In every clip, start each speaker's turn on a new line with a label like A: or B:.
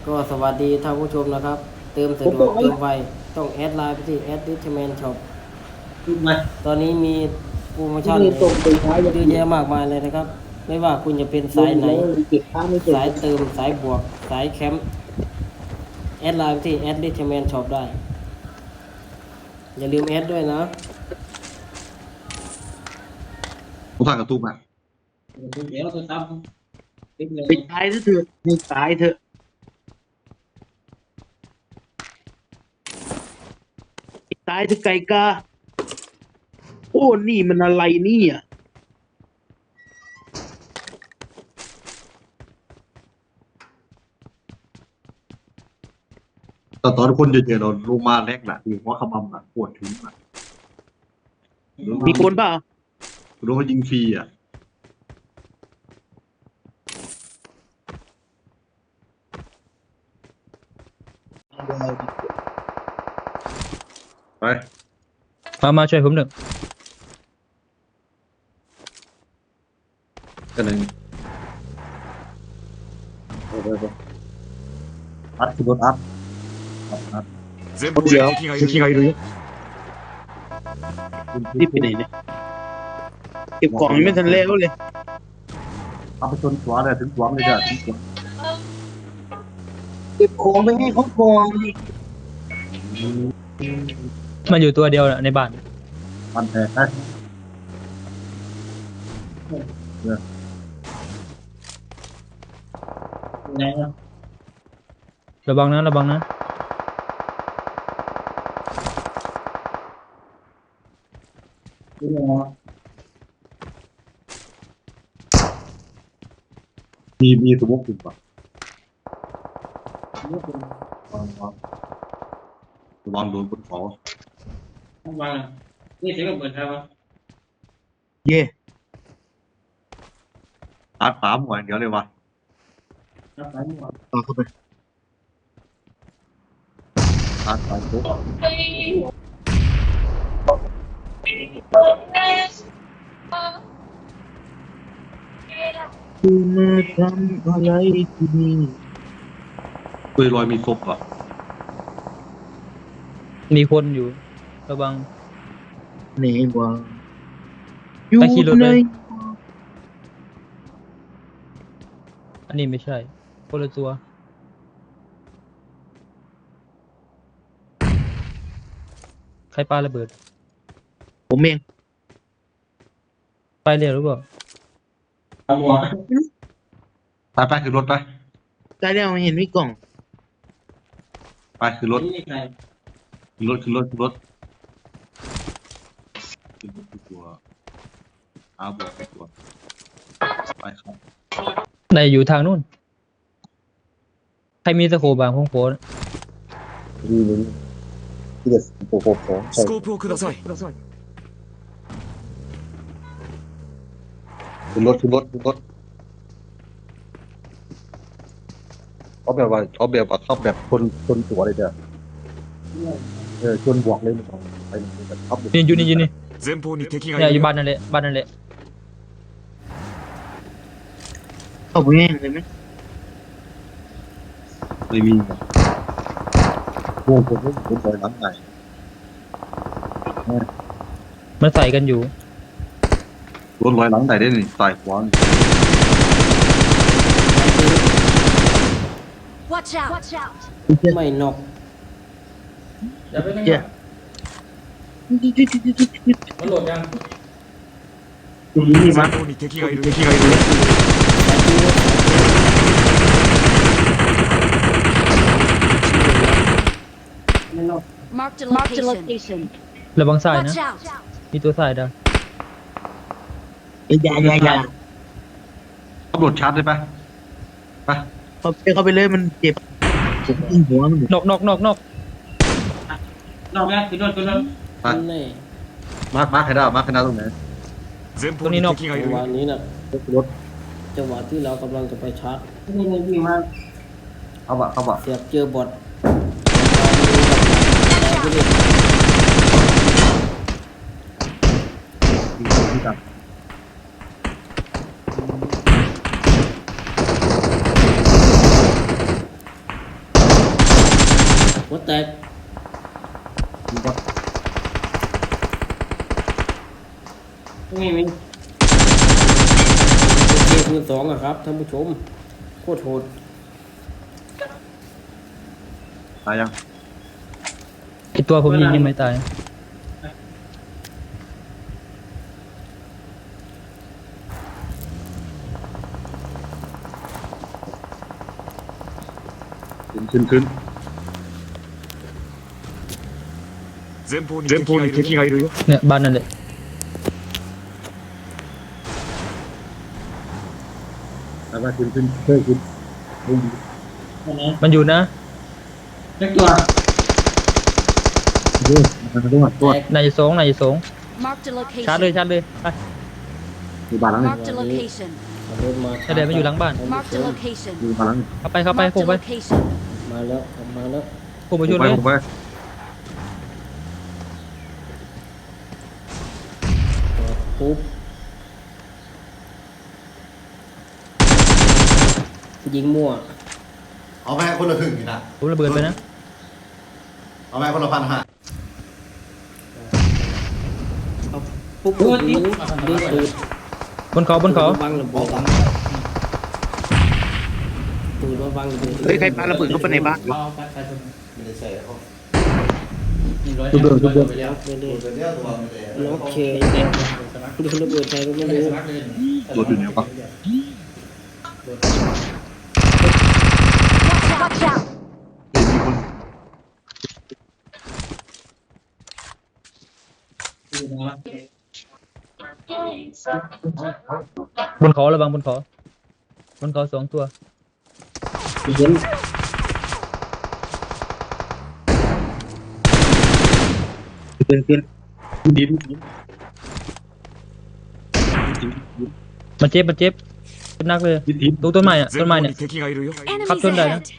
A: ก็สวัสดีท่านผู้ชมนะครับเติมสะดวกเติมไวต้องแอดไลน์ไปที่@richman_shop ตอนนี้มีโปรโมชั่นเยอะแยะมากมายเลยนะครับไม่ว่าคุณจะเป็นสายไหนสายเติมสายบวกสายแคมป์แอดไลน์ไปที่@richman_shop ได้อย่าลืมแอดด้วยนะ
B: ผมถ่ายกระตุ้มอ่ะ
C: เดี๋ยวตัวตั้ม
D: ไปตายเถอะไม่ตายเถอะตายเถอะไก่กาโอ้นี่มันอะไรนี่อ่ะ
B: แต่ตอนคนเยอะๆเราลงมาแรกแหละคือเพราะขมำอ่ะปวดถึงอ่ะ
D: มีคนเปล่า
B: โดนเขายิงฟรีอ่ะไป
E: มาช่วยผมหนึ่ง
B: กันหนึ่งไปอัดคือรถอัด
C: 全部敵がいるよ
D: รีบไปไหนเนี่ยเก็บของยังไม่ทันแล้วเลย
B: เอาไปชนหัวเลยถึงหัวเลยจ้ะถึงหัว
D: เก็บของไปให้เขาก่อน
E: มันอยู่ตัวเดียวน่ะในบ้าน
B: มันแพ้ได้
C: ไหนอ่ะ
E: ระวังนะระวังนะ
B: มีสมมติป่ะระวังโดนบนเขา
C: วางนี่เสียงเปิดครับ
D: เย่
B: อัดป๋าหมวยเดี๋ยวเลยว่ะ
D: ต่อเข้าไป
B: อัดไปปุ๊บ
D: คุณมาทำอะไรที่นี่
B: ปืนลอยมีศพอ่ะ
E: มีคนอยู่ระวัง
D: ไหนวะอยู่
E: ไปขี่รถ
D: ไหน
E: เลย อันนี้ไม่ใช่คนละตัวใครปาระเบิด
D: ผมเอง
E: ไปเร็วหรือเปล่า
B: ไปขึ้นรถไป
D: ตายแล้วเห็นมีกล่อง
B: ไปขึ้นรถ
C: นี่ใคร
B: ขึ้นรถขึ้นตัวอาบอกไปตัวไปครับ
E: ในอยู่ทางนู้นใครมีตะโขบบางพงโผล่
C: スコープをください
B: ขึ้นรถเอาแบบว่าเข้าแบบคนตัวเลยจ้ะชนบวกเลยมันไปแบบขับ
E: นี่อยู่นี่
C: 前方に敵が
E: เนี่ย
C: い
E: อ
C: る
E: ยู่
C: よ
E: บ้านนั่นแหละบ้านนั่นแหละ
D: เข้าไปแห้งเลยไหม
B: ไม่มีพวกผมปล่อยหลังไหน
E: มันใส่กันอยู่
B: รถลอยหลังไหนได้หนึ่งสายขวา
F: Watch out! Watch out!
A: ไม่นอก
D: เย่
E: มันโหลดยัง
C: 前方に敵がいるよ
A: ไม่นอก
F: Marked a location.
E: ระวังสายนะ
F: Watch out!
E: มีตัวสายดา
D: อย่า
B: ขับรถชาร์จได้ปะไป
D: เข้าไปเลยมันเจ็บผมยิงหัวมันอยู่
E: นอก
C: นอกแล้วขึ้นรถ
B: ไป
A: แน่
B: มาร์คให้ได้มาร์คให้ได้ตรงไหน
C: 前方に敵がい
A: จั
C: る
A: งหวะ
C: よ
A: นี้นะ
B: รถ
A: จังหวะที่เรากำลังจะไปชาร์จ
B: เข้าบะ
A: เสียบเจอบอท
B: ที่กัน
A: หัวแตก
B: ดูว่า
A: ไม่เกมมือสองอะครับท่านผู้ชมโคตรโหด
B: ตายยัง
E: ไอตัวผมยิงยังไม่ตาย
B: ขึ้น
C: 前方に敵がいるよ。
E: เนี่ยบ้านนั่นแหละ
B: แล้วมาขึ้นเฮ้ยขึ้น
E: มันอยู่นะ
A: เล็กตัว
B: มันด้วยตัว
E: นายจะสองนายจะสอง
F: Marked a
E: ชาร์จเลย
F: location.
E: ชาร์จเลยไป
B: มีบ้านหลังนึง
F: Marked a location.
A: รถมา
E: ใช่เดี๋ยวมันอยู่หลังบ้าน
F: Marked a location.
B: มีบ้านหลังนึง
E: เข้าไป
F: Marked
E: พุ่ง
F: a
E: ไป
F: location.
A: มาแล้วมาแล้ว
E: พุ่งไปชุดเลย
B: ผมไป
A: ปุ๊บยิงมั่ว
G: เอาแม่คนละครึ่งนี่นะ
E: ผมระเบิดไปนะ
G: เอาแม่คนละ1,500
A: ปุ๊บยิงปืน
E: บนเขาบนเขา
A: วางระเบิดปืนวางระเบิด
D: เฮ้ยใครปาระเบิดเข้าไปในบ้าน
G: ไม่ได้ใส่เขา
B: ทุบเดิม
A: ไปเลย
G: เดี๋ยวตัวไม่ได้
A: น้องเคยดูระเบิดใครก็ไม่รู้
B: ตัวอยู่ไหนวะ
F: Watch out!
B: มีคน
E: บนเขาระวังบนเขาสองตัว
A: เห็น
D: ขึ้น
B: ดิน
E: มันเจ็บเป็นนักเลย
B: ดิน
E: ตรงต้นไม้อ่ะ
C: 前
E: ต้นไม้
C: 方
E: เนี่ย
C: に敵がいるよ。
F: Enemies
E: Kaptan dah,
F: ahead.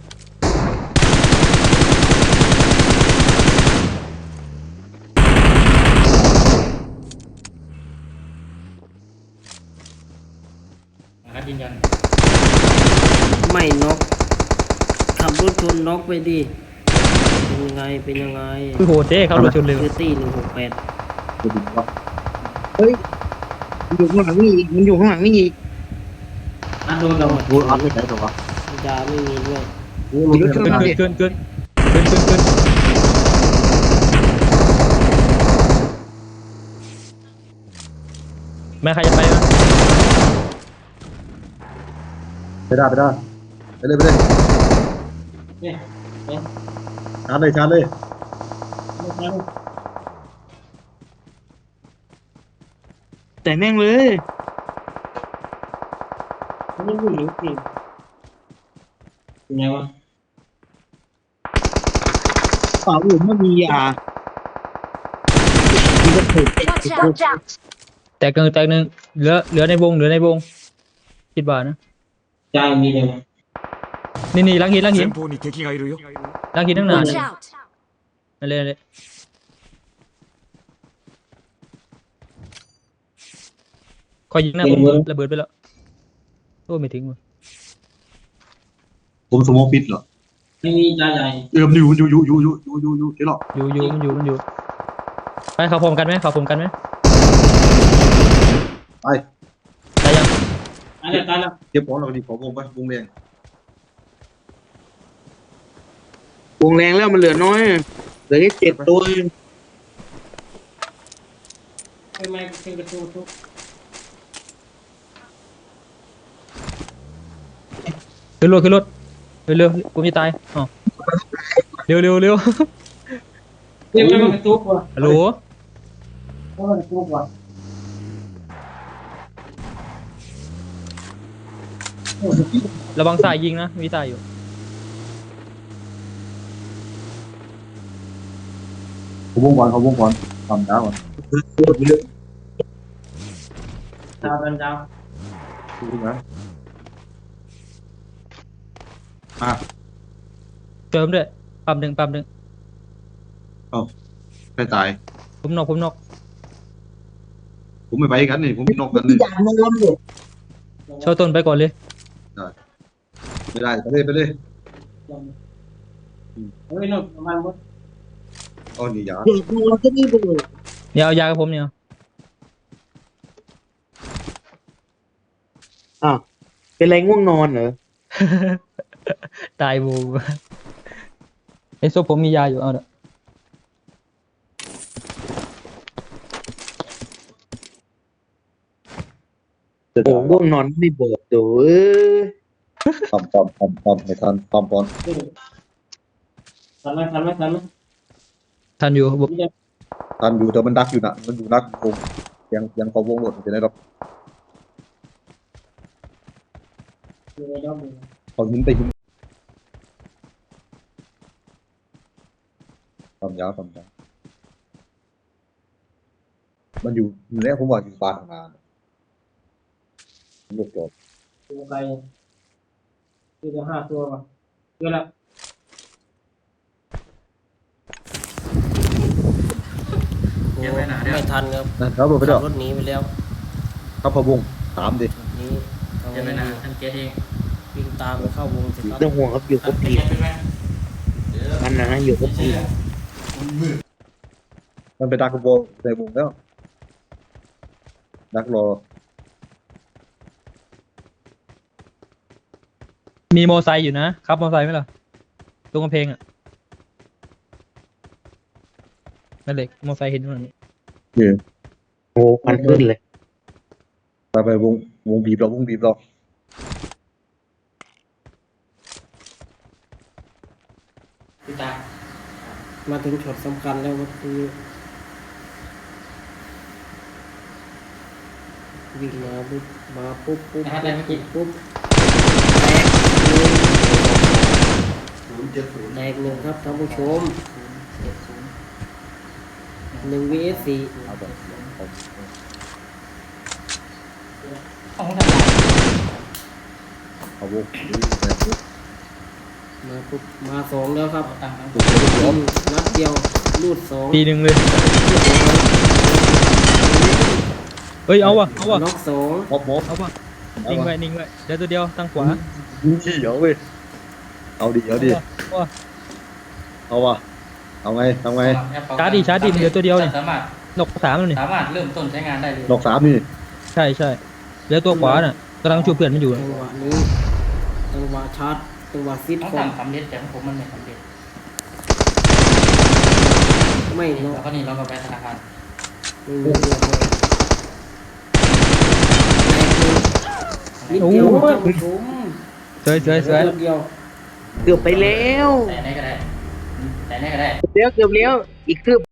A: ไม่น็อกขับรถชนน็อกไปดิเป็นยังไง
E: คือโหดเจ๊เขารถชนเร็ว
A: เซตี้168
B: ตัวดินวะ
D: เฮ้ยมันอยู่ข้างหลังนี่อีกมันอยู่ข้างหลังนี่อีก
A: โดนเรา
B: กูอัพไม่ใช่ตัววะ
A: ยาไม่มีด้วย
B: กูรู้
E: เกินแม่ใครจะไปวะ
B: ไปได้ไปเลยชาร์จเลย
D: แต่แม่งเลย
A: ไม่รู้หรือสิเป็นไงวะ
D: เปล่าอื่นไม่มียา
F: Watch out!
E: แตกหนึ่งเหลือในวงคิดว่านะ
A: ใจมีเลย
E: นี่ลังหิน
C: 前方に敵がいるよ。
E: ลังหินตั้งนาน
F: Watch out!
E: นั่นเลยคอยยิงนะผมระเบิดไปแล้วโอ้ไม่ถึงว่ะ
B: ผมสมองปิดเหรอ
A: ไม่มีใจใหญ่
B: มันอยู่เดี๋ยวหรอ
E: อยู่มันอยู่ไปเขาพร้อมกันไหม
B: ไป
E: ได้ยัง
A: ตายแล้ว
B: เก็บของเราดีขอวงไปวงแดง
D: วงแรงแล้วมันเหลือน้อยเหลือแค่7 ตัว
A: ไม่เป็นประตูทุก
E: ขึ้นรถเร็วกูจะตายอ๋อเร็ว
A: เรียกไม่เป็นประตูกว่า
E: ฮัลโหล
A: ไม่เป็นประตูกว่า
E: ระวังสายยิงนะมีสายอยู่
B: เขาวงก่อนทำดาวก่อน
A: ดาวเป็นดาว
B: ดูนะ
E: เติมด้วยปั๊มหนึ่ง
B: ใครตาย
E: ผมนอก
B: ผมไม่ไปกันนี่ผมนอกกันนี่
E: เช่าต้นไปก่อนเลย
B: ไม่ได้ไปเลย
A: เฮ้ยนนประมาณหมด
B: เอานี่ยา
D: เดี๋ยวดูเราจะนี่ไปเลย
E: เดี๋ยวเอายากับผมเนี่ย
D: อ้าวเป็นไรง่วงนอนเหรอ
E: ตายบูไอ้โซผมมียาอยู่เอาเด้อ
D: โอ้ง่วงนอนไม่บอกเด้อ
B: ปอมไม่ทันปอมปอน
A: ทันไหม
E: ทันอยู่บอก
B: ทันอยู่แต่มันดักอยู่นะมันอยู่นักวงยังพอวงหลดจะได้รับเอาหินไปหินปั๊มยามันอยู่เนี่ยผมว่าอยู่บ้านงานลูกจบ
A: ตัวไกลคือจะ5 ตัวป่ะเยอะละไม่ทันครับ
B: นะครับผมไป
A: ขั
B: เด้
A: บ
B: อ
A: รถหนีไปแล้ว
B: ครับพอวงถามดิ
A: นี้เอาไว้วิ่งตามไปเข้าวงเสร็จครับ
D: ต้องห่วงครับอยู่กับพี่มันนะอยู่กับพี่
B: มันไปดักวงในวงแล้วดักรอ
E: มีโมอไซค์อยู่นะครับโมอไซค์ไหมล่ะตรงกำแพงอ่ะนั่นเหล็กโมอไซค์เห็นมั้ย
D: โอ้พันขึ้นเลย
B: ไปวงบีบเรา
A: มาถึงช็อตสำคัญแล้วก็คือวิ่งมาปุ๊บปุ๊บปุ๊บแตกหนึ่งครับท่านผู้ชม1 vs 4
B: เอาแบบเอาวง
A: มาปุ๊บมา2แล้วครับ
B: ล้ม
A: นัดเดียวลูด2
E: ปีหนึ่งเลยเฮ้ยเอาวะ
A: น็อก2
B: มอบ
E: เอาวะนิ่งไว้เดี๋ยวตัวเดียวตั้งขวา
B: นี่เดี๋ยวเว้ยเอาดิเอาวะเอาไงทำไง
E: ชาร์จดิเหลือตัวเดียวนี่
H: สามารถ
E: นก3แล้วนี่
H: สามารถเริ่มต้นใช้งานได้เลย
B: ดอกสามนี่
E: ใช่เหลือตัวขวาน่ะกำลังช่วยเพื่อนมันอยู่
A: จังหวะนี้จังหวะชาร์จจังหวะซิด
H: ต้อง
A: ก่อน
H: ทำสำเร็จแต่ของผมมันไม่สำเร็จ
A: ไม่น็อก
H: แล้วก็นี่เราก็ไปธนาคาร
A: ไม่มีเรื่องเลยนิดเดียวท่านผู้ชม
E: สวย
A: นิดเดียว
D: เกือบไปแล้ว
H: แต่ไหนก็ได้แต่ไหนก็ได้
D: เกือบแล้วอีกเกือบ